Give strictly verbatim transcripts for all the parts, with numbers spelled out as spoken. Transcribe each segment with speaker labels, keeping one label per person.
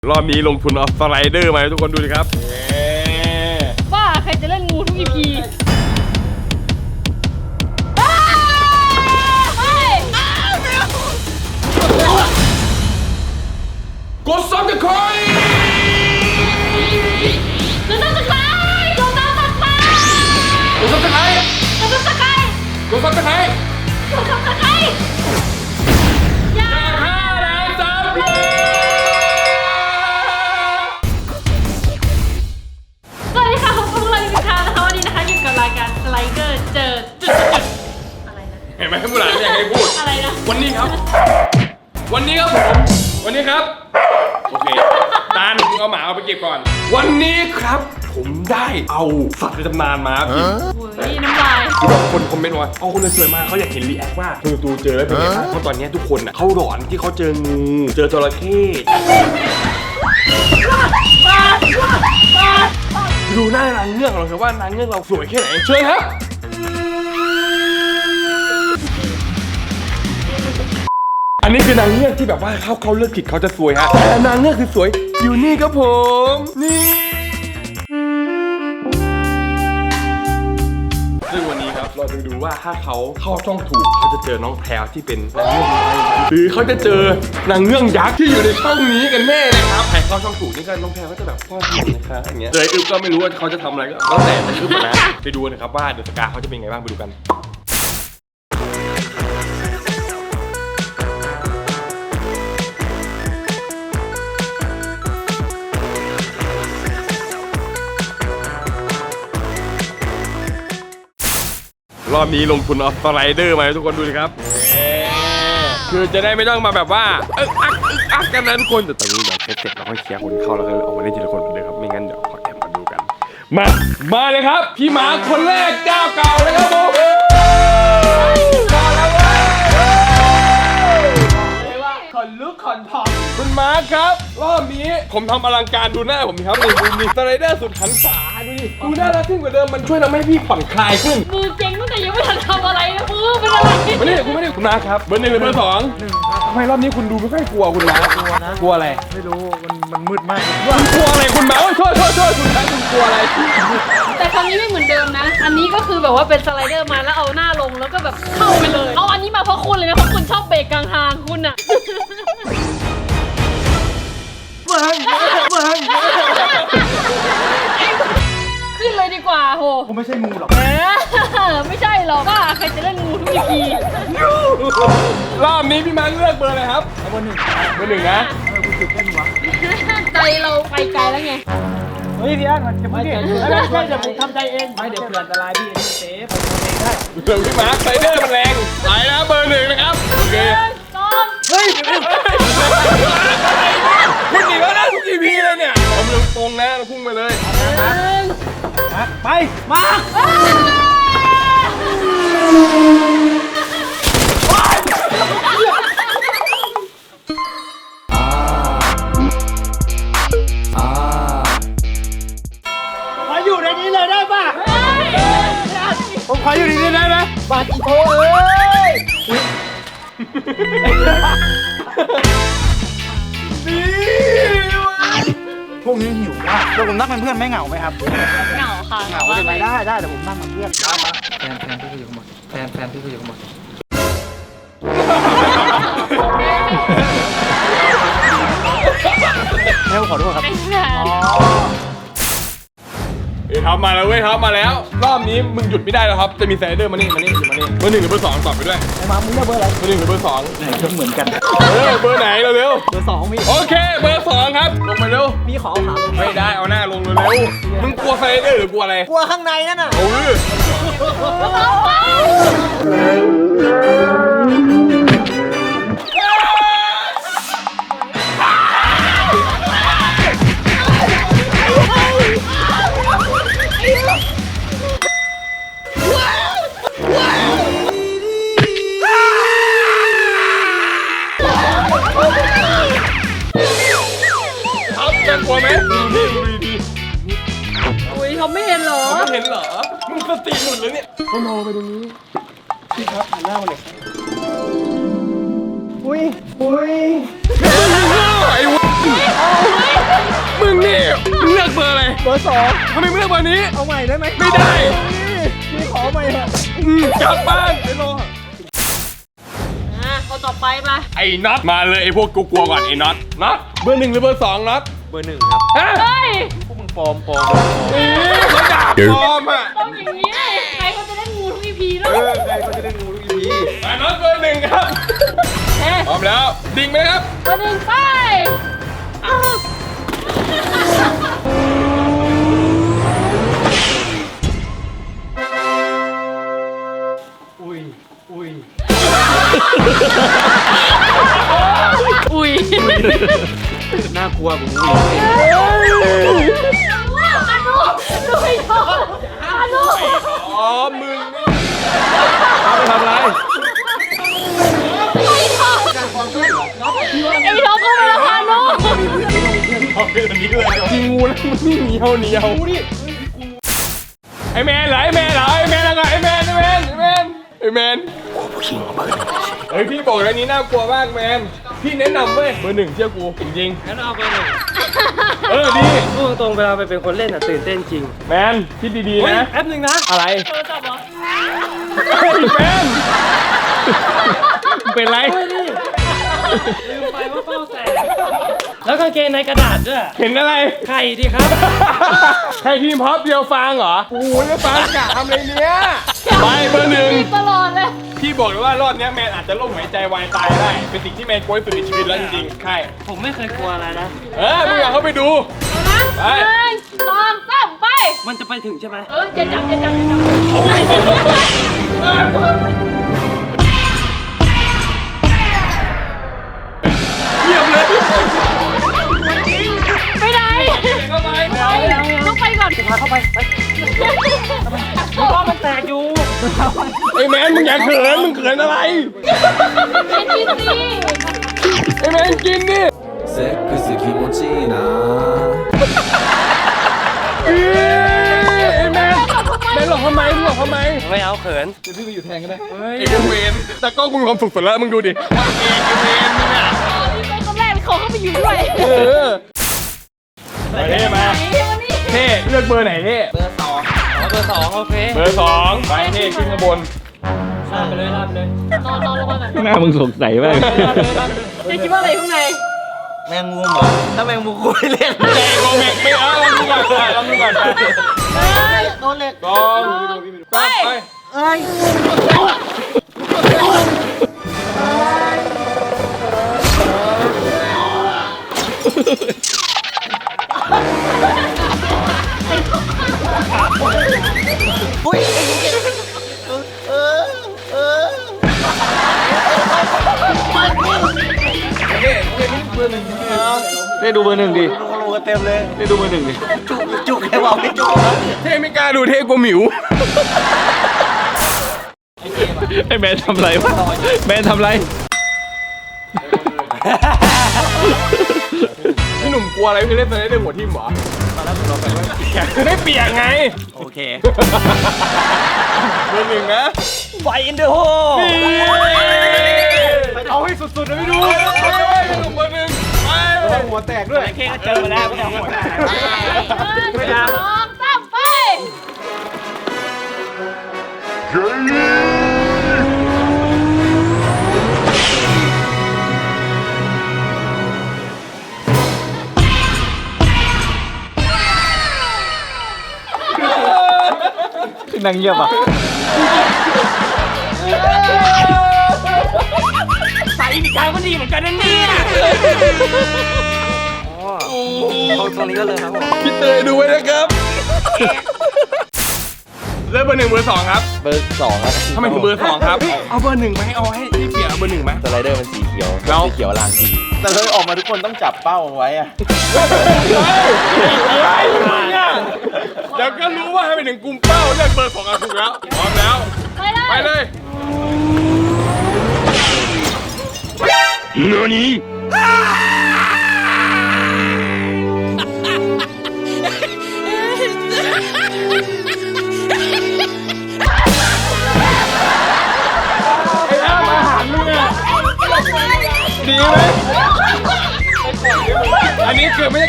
Speaker 1: รอบนี้ลงทุนเอาสไลเดอร์มาให้ทุกคนดูดิครับ
Speaker 2: ว่าใครจะเล่นงูทุก อี พี
Speaker 1: กดซับสไครบ์
Speaker 2: กดซับสไครบ์กดซับสไครบ์
Speaker 1: กดซับสไครบ์
Speaker 2: กดซับสไครบ์
Speaker 1: กดซับสไครบ์
Speaker 2: กดซับสไครบ์อย่า
Speaker 1: ห้าล้านซับเลย
Speaker 2: สวัสดีค่ะผมพวกเราอยู่กันนะคะวันนี้นะคะอยู่กับรายการสไลเดอร์เจอจุดจุดอะไรนะ
Speaker 1: เห็นไหมผู้หลานอยากให้พูด
Speaker 2: อะไรนะ
Speaker 1: วันนี้ครับวันนี้ครับผมวันนี้ครับโอเคตาหนูเอาหมาเอาไปเก็บก่อนวันนี้ครับผมได้เอาสัตว์ในตำนานมาพี่
Speaker 2: โอ้ยน้ำลาย
Speaker 1: คือแบบคนคอมเมนต์ว่าเอาคนเลยสวยมากเขาอยากเห็นรีแอคว่าคุณตูเจอแล้วเป็นไงบ้างเพราะตอนนี้ทุกคนอ่ะเขาหลอนที่เขาเจองูเจอจระเข้ดูหน้านางเงือกเราครับว่านางเงือกเราสวยแค่ไหนเชิญครับอันนี้คือนางเงือกที่แบบว่าเขาเขาเลือกผิดเขาจะสวยฮะแต่นางเงือกคือสวยอยู่นี่ครับผมนี่ซึ่งวันนี้ครับเราจะดูว่าถ้าเขาเข้าช่องถูกเขาจะเจอน้องแพรวที่เป็นนางเงือกน้อยหรือเขาจะเจอนางเงือกยักษ์ที่อยู่ในช่องนี้กันแน่นะครับใครเข้าช่องถูกนี่ก็น้องแพรวก็จะแบบพ่อที่นะคะอย่างเงี้ยเลยอึ๊บก็ไม่รู้ว่าเขาจะทำอะไรก็แล้วแต่แต่อึ๊บนะไปดูนะครับว่าเดอะสกาเขาจะเป็นไงบ้างไปดูกันรอบนี้ลงทุนเอาสไลเดอร์มาให้ทุกคนดูดิครับคือจะได้ไม่ต้องมาแบบว่าอึกอักอึกอักกันนะทุกคนแต่ตอนนี้เดี๋ยวเสร็จเราค่อยเคลียร์คนเข้าแล้วก็ออกมาเล่นทีละคนเหมือนเดิมครับไม่งั้นเดี๋ยวขอแอบมาดูกันมามาเลยครับพี่หมาคนแรกเจ้าเก่าเลยครับผมมาแล้วเว้ยว่าขนลุกขนพองคุณมาร์คครับรอบนี้ผมทำอลังการดูหน้าผมครับนี่ดูนี่สไลเดอร์สุดหันษาดูดิดูน่ารักขึ้นกว่าเดิมมันช่วยทำให้พี่ผ่อนคลายขึ้น
Speaker 2: มือเก่งตั้งแต่ยังไม่ทันทำอะไรนะมือเป็นอะไร
Speaker 1: ไม่ได้คุณไม่ได้คุณมาร์คครับเบอร์หนึ่งหรือเบอร์สองหนึ่งครับทำไมรอบนี้คุณดูไม่ค่อยกลัวคุณมาร์คกลัวนะกลัวอะไร
Speaker 3: ไม่รู้มันมันมืดมาก
Speaker 1: คุณกลัวอะไรคุณมาร์คโทษโทษโทษคุณมาร์คคุณกลัวอะไร
Speaker 2: แต่ครั้งนี้ไม่เหมือนเดิมนะอันนี้ก็คือแบบว่าเป็นสไลเดอร์มาแล้วเอาหน้าลงแล้วก็แบบเข้าไปเลยเอาอันนี้มาเพราะคุณเลยนะเพราะคุณชอบเบรกกลางทางคุณอะขึ้นเลยดีกว่าโห
Speaker 3: ผมไม่ใช่งูหรอก
Speaker 2: ไม่ใช่หรอกว่าใครจะเล่นงูทุก อี พี
Speaker 1: รอบนี้พี่มาร์คเลือกเบอร์อะไรครับ
Speaker 3: เบอร์หนึ่ง
Speaker 1: เบอร์หนึ่งนะ
Speaker 3: คุณตื่นเต้นวะ
Speaker 2: ใจเราไปไกลแล้วไง
Speaker 3: เฮ้ยพี่อันมันจะไม่เก่งไม่ใช่เดี๋ยวผมทำใจเองไม่เดี๋ยวเผื่ออันตรายพี่เซฟผมเองได้
Speaker 1: เดี๋ยวพี่มาร์คไซเดอร์มันแรงไปนะเบอร์หนึ่งนะครับโอเค
Speaker 2: เฮ้ย
Speaker 1: คุณหนีแล้วนะทุกทีพีเลยเนี่ยผมลงตรงนะเราพุ่งไปเลย
Speaker 3: ไปมาขออยู่ในนี้เลยได้ป่ะผมขออยู่ในนี้ได้ไหมบาดอีโถเอ้ยพวกนี้หิวมากแล้วผมนั่งเป็นเพื่อนไม่เหงาไหมครับ
Speaker 2: เหงาค่ะ
Speaker 3: เหงาได้ไหมได้ได้แต่ผมนั่งเป็นเพื่อนได้มาแฟนแฟนพี่คุยกับหมดแฟนแฟนพี่คุยกับหมดเฮ้ยขอโทษครับ
Speaker 1: เอ้ยท็อปมาแล้วเว้ยท็อปมาแล้วรอบนี้มึงหยุดไม่ได้แล้วครับจะมีไซเดอร์มานี่มานี่มานี่เบอร์หนึ่งหรือเบอร์สองตอบไปด้วย
Speaker 3: ไอ้มามึงเลือกเบอร์อะไร
Speaker 1: เบอร์หนึ่งหรือเบอร์สอง
Speaker 3: ไหนก็เหมือนกัน
Speaker 1: เออเบอร์ไหนเร็วเร็ว
Speaker 3: เบอร์สองมี
Speaker 1: โอเคเบอร์สองครับลงมาเร็ว
Speaker 3: พี่ขอขาลง
Speaker 1: ไม่ได้เอาหน้าลงเร็วเร็วมึงกลัวไซเดอร์หรือกลัวอะไร
Speaker 3: กลัวข้างในนั่นน่ะ
Speaker 1: โอ้ยกลัวไหมดูดิดูดิดิ
Speaker 2: อุ้ยเขาไม่เห็นเหรอ
Speaker 1: เขาไม่เห็นเหรอมึงสติหลุดเลยเนี่ยเขามองไปตรงนี้พี่ครับหันหน้ามาหน่อยอุ้ยอุ้ยไอ้วะมึงนี่มึงเลือกเบอร์อะไร
Speaker 3: เบอร์สอง
Speaker 1: ทำไมไม่เลือกเบอร์นี้
Speaker 3: เอาใหม่ได้ไหม
Speaker 1: ไม่ได้
Speaker 3: พี่ขอใหม่เถอะ
Speaker 1: อืมกลับบ้านไปรอ
Speaker 2: อ่ะคนต่อไปมา
Speaker 1: ไอ้น็อตมาเลยไอ้พวกกูกลัวก่อนไอ้น็อตน็อตเบอร์หนึ่งหรือเบอร์สองน็อต
Speaker 3: เบอร์หนึ่งครับ
Speaker 1: ฮะ
Speaker 2: เฮ้ย
Speaker 3: พวกมึงปลอมปลอม
Speaker 1: นี่เขาด่าปลอมอ่ะ
Speaker 2: ต้องอย่างนี้ใครเขาจะได้งูทุกอีพีแล้ว
Speaker 3: เออใครเขาจะได้งูทุกที
Speaker 1: ไอ้น็อตเบอร์หนึ่งครับ
Speaker 2: เอ๊ะ
Speaker 1: พร้อมแล้วดิ่งไหมครับ
Speaker 2: ตัวหนึ่งไปอ้าว
Speaker 3: อุ้ยอุ้ย
Speaker 2: อุ้ย
Speaker 3: น่ากลัวผม
Speaker 2: อานุดูไม่ชอบอานุ
Speaker 1: อ๋อมึง
Speaker 3: เอาไปทำอะไร
Speaker 2: ไม่ชอบไอ้น้องก็ไม่ละอานุ
Speaker 1: เอาไปแบบนี้เลยจริงงูแล้วมันนี่เหนียวเหนียวดิไอ้แมนเหรอไอ้แมนเหรอไอ้แมนแล้วก็ไอ้แมนไอ้แมนไอ้แมนไอ้แมนโอ้ผู้หญิงเบอร์หนึ่งเฮ้ยพี่บอกแล้วนี้น่ากลัวมากแมนพี่แนะนำเว้ยเบอร์หนึ่งเชื่อกูจริง
Speaker 4: งั้นเอาไปหนึ่ง
Speaker 1: ๆเออดี
Speaker 4: พูดตรงๆเวลาไปเป็นคนเล่นอ่ะตื่นเต้นจริง
Speaker 1: แมนคิดดี
Speaker 4: เฮ้ย
Speaker 1: ๆนะ
Speaker 4: แป๊บหนึงนะ
Speaker 1: อะไร
Speaker 2: โทรศัพท์เหรอ
Speaker 1: เฮ้ยแมนเป็นไร
Speaker 4: ลืมไปว่าเป้าแตกแล้วกางเกงในกระดาษด้วย
Speaker 1: เห็นอะไร
Speaker 4: ไข่ดีครับ
Speaker 1: ใครทีมพอปเดียวฟางเหรอโอ้โหแล้วฟางกะทำอะไรเนี้ยไปเบอร์หนึ่ง
Speaker 2: ตลอดเลย
Speaker 1: พี่บอกเลยว่ารอบเนี้ยแมนอาจจะล่มหายใจวายตายได้ เป็นสิ่งที่แมนกลัวที่สุดในชีวิตแล้วจริงๆใช่
Speaker 4: ผมไม่เคยกลัวอะไรนะ
Speaker 1: เออมึงอยากเข้าไปดู
Speaker 2: เอานะ
Speaker 1: ไป
Speaker 2: หนึ่งสองสามไป
Speaker 4: มันจะไปถึงใช่ไหม
Speaker 2: เออจะจับจะจับจะจับ
Speaker 1: เยี่ยมเลย
Speaker 2: ไปไหน
Speaker 1: เข้าไป
Speaker 2: ไปต้องไปก่อน
Speaker 4: พาเข้าไปไปเพราะว่ามันแตกอยู่
Speaker 1: ไอ้แมนมึงอย่าเขินมึงเขินอะไร
Speaker 2: เป็นที่สี่
Speaker 1: ไอ้แมนกินดิ
Speaker 5: セックス気持ちいいな
Speaker 1: เอ้ยไอ้แมนแมนหลอกทำไมมึงหลอกทำไม
Speaker 4: ไม่เอาเขิน
Speaker 1: ไอ้กูเวนแต่ก็กูมีความสุขสุดแล้วมึงดูดิว่าเองไอ้เวนมึงอ่ะ
Speaker 2: อ๋อนี่เป็นคนแรกที่เขาเข้าไปอยู่ด้วย
Speaker 1: เออไปเท่มา
Speaker 2: ไหนวันนี้
Speaker 1: เท่เลือกเบอร์ไหนเท่
Speaker 4: เบอร์สองอ๋อเบอร์สองโอเค
Speaker 1: เบอร์สองไปเท่ขึ้นข้างบน
Speaker 4: ลาดไปเลยลาดไปเลย
Speaker 2: นอนนอนลงมาก่อน
Speaker 3: หน้ามึงสงสัยมาก
Speaker 2: จะคิดว่าอะไรข้างใน
Speaker 3: แมงมุมเหรอถ้าแมงมุมกูไม่เล่น
Speaker 1: ไม่โกเมกไม่เอาลองดูก่อนไปลองดูก่อนไป
Speaker 2: เฮ้ย
Speaker 3: โดนเหล็ก
Speaker 1: ลองไปไป
Speaker 3: เอ้ย อุ้ยเออเออ
Speaker 1: ได้ดูเบอร์หนึ่งดิ
Speaker 3: รู้กันเต็มเลย
Speaker 1: ได้ดูเบอร์หนึ่งดิ
Speaker 3: จุกจุกแค่บอกไม่จุก
Speaker 1: เท่ไม่กล้าดูเท่กลัวหมิว
Speaker 3: ไอ้แมนทำไรวะแมนทำไร
Speaker 1: พี่หนุ่มกลัวอะไรพี่เล่นตอนนี้เรื่องหัวทิ่มเหรอตอนแรกผมลองไปว่าเปียกไม่เปียกไง
Speaker 3: โอเค
Speaker 1: เบอร์หนึ่งนะ
Speaker 3: ไฟอินเดอะโฮ
Speaker 1: ไปเอาให้สุดๆเลยพี่ดูไปพี่หนุ่มเบอร์หนึ่งไปหัวแตกด้วย
Speaker 3: แค่ก็เจอมาแล้วไม่เอาหัว
Speaker 2: หนึ่งสองสามไป
Speaker 3: นั่งเงียบอ่ะ
Speaker 4: ใส่อีกครั้งก็ดีเหมือนกันนะเนี่ย
Speaker 3: ตรงนี้ก็เลยครับผม
Speaker 1: พี่เตยดูไว้นะครับเริ่มเบอร์หนึ่งเบอร์สองครับ
Speaker 3: เบอร์สองครับ
Speaker 1: ทำไมถึงเบอร์สองครับเอาเบอร์หนึ่งไหมเอาให้พี่เปียกเอาเบอร์หนึ่งไหม
Speaker 3: สไลเดอร์มันสีเขียว
Speaker 1: แล้ว
Speaker 3: สีเขียวลางดีแต่เลยออกมาทุกคนต้องจับเป้าไว้อะ
Speaker 1: เดี๋ยวก็รู้ว่าให้ไปถึงกลุ่มเป้าเลือกเบอร์สองอ่ะถูกแล้วพร้อมแล้ว
Speaker 2: ไปเลย
Speaker 1: ไปเลยเนื้อนี้ไอ้อ้ามาหามึงอ่ะดีไหม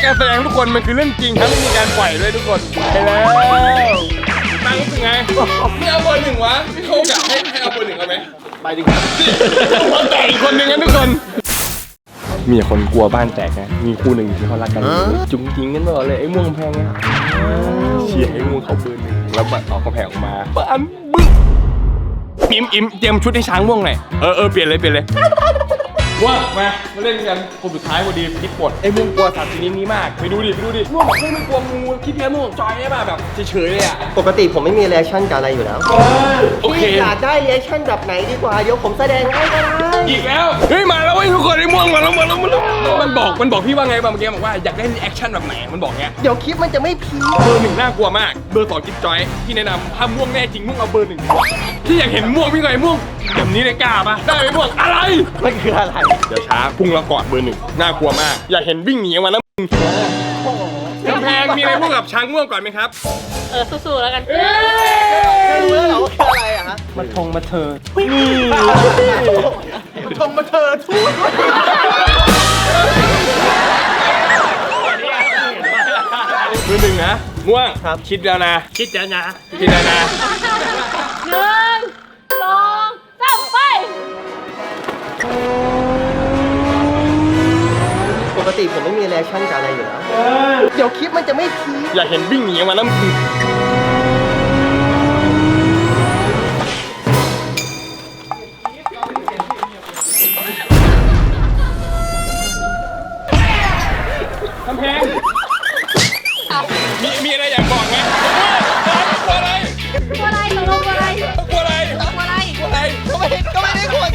Speaker 1: การแสดงทุกคนมันคือเรื่องจริงครับไม่มีการปล่อยเลยทุกคนไปแล้วตั้งรู้สึกไงไม่เอาเบอร์หนึ่งวะไม่เขาอยากให้ให้เอาเบอร์หนึ่งเอาไหม
Speaker 3: ไปดิครับ
Speaker 1: คนแตกอีกคนหนึ่งกันทุกคนมีคนกลัวบ้านแตกนะมีคู่หนึ่งที่เขารักกันจุ๋งทิ้งกันตลอดเลยไอ้ม่วงแพงเนี่ยเชียร์ไอ้ม่วงเขาเบอร์หนึ่งแล้วบัตรออกกระแพงออกมาบ้านบึ้งอิ่มอิ่มเตรียมชุดให้ช้างม่วงหน่อยเออเออเปลี่ยนเลยเปลี่ยนเลยว่ามามาเล่นกันคนสุดท้ายพอดีพลิกบทไอ้ม่วงกลัวสัตว์ชนิดนี้มากไปดูดิไปดูดิม่วงบอกไม่ไม่กลัวงูคิดแค่ม่วงจอยได้ป่ะแบบเฉยๆเลยอ่ะ
Speaker 3: ปกติผมไม่มีเรีแอคชั่นกับอะไรอยู่แล้ว
Speaker 1: โอเค
Speaker 3: อยากได้เรีแอคชั่นแบบไหนดีกว่าเดี๋ยวผมแสดงให้ก็ได้
Speaker 1: อีกแล้วเฮ้ยมาแล้วเว้ยทุกคนไอ้ม่วงมาแล้วมาแล้วมาแล้วมันบอกมันบอกพี่ว่าไงบ้างเมื่อกี้บอกว่าอยากได้แอคชั่นแบบไหนมันบอกเงี้ย
Speaker 3: เดี๋ยวคลิปมันจะไม่พีค
Speaker 1: เบอร์หนึ่งน่ากลัวมากเบอร์สองจิ๊บจอยที่แนะนำถ้าม่วงแน่จริงม่วงเอาเบอร์หนึ่งที่อยากเห็นม่วงพี่ไงม่วงแบบนี้เลยกล้าปะได้ไหมม่วงอะไร
Speaker 3: มันคืออะไร
Speaker 1: เดี๋ยวช้าพุ่งแล้วกอดเบอร์หนึ่งน่ากลัวมากอยากเห็นวิ่งหนีออกมาแล้วมึงกำแพงมีอะไรพูดกับช้างม่วงก่อนไหมครับ
Speaker 2: เออสู้ๆแล้วกัน
Speaker 3: ไม่รู้แล้วเหรอว่าคืออะไรอะฮะ
Speaker 4: มาทงมาเธอ
Speaker 3: ทงมาเธอทูด
Speaker 1: เบอร์หนึ่งนะม่วงคิดแล้วนะ
Speaker 4: คิดแล้วนะ
Speaker 1: คิดแล้วนะ
Speaker 2: หนึ่งสองสามไป
Speaker 3: ปกติผมไม่มีเรีแอคชั่นกับอะไรอยู่แล้วเดี๋ยวคลิปมันจะไม่พีค
Speaker 1: อยากเห็นวิ่งหนีออกมาแล้วมึงกำแพงมีมีอะไรอยากบอกไหมกลัวอะไร
Speaker 2: กลัวอะไรตกลงกลัวอะไร
Speaker 1: กลัวอะไร
Speaker 2: กลัวอะไร
Speaker 1: กลัวอะไร
Speaker 3: ก็ไม่ได้ก็ไม่ได้กลัวอย่าง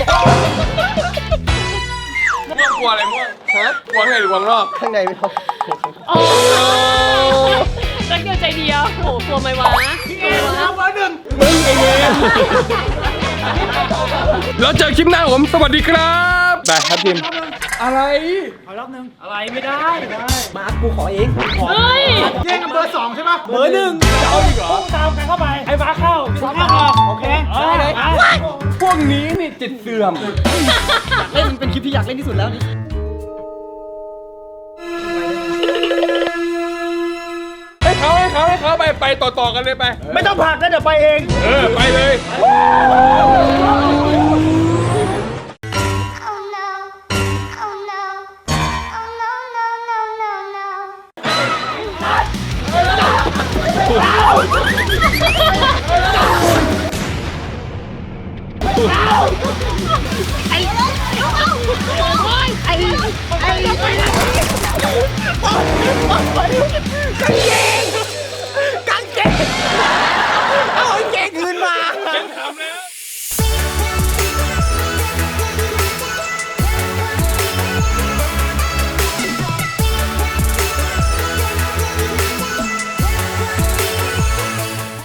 Speaker 1: ม่วงกลัวอะไรม่วง
Speaker 3: ฮะ
Speaker 1: กลัวข้างในหรือกลัวข้างนอก
Speaker 3: ข้างในไม่ต้อง
Speaker 2: โอ้รักเดียวใจเดียวโอ้กลัวไหมวะกลัวไหมวะ
Speaker 1: มึงไอ้เงี้ยแล้วเจอคลิปหน้าผมสวัสดีครับไปครับทีมอะไร
Speaker 4: อะไรไม่ได้
Speaker 3: มาร์คกูขอเอง
Speaker 2: เฮ้ย
Speaker 3: แย่งกันเบอร์สองใช่ไหม
Speaker 4: เบอร์หนึ่งจะเอาอีกเหรอตามกันเข้าไปไอ้ฟ้าเข้าฟ้าเข้าออกโอเคได้เลย
Speaker 1: พวกนี้นี่จิตเสื่อม
Speaker 3: เล่นเป็นคลิปที่อยากเล่นที่สุดแล้วนี่
Speaker 1: ให้เขาให้เขาให้เขาไปไปต่อต่อกันเลยไป
Speaker 3: ไม่ต้องผลักนะเดี๋ยวไปเอง
Speaker 1: เออไปเลย
Speaker 6: Oh no. Oh no. Oh no, no, no, no, no. I, I, I, I,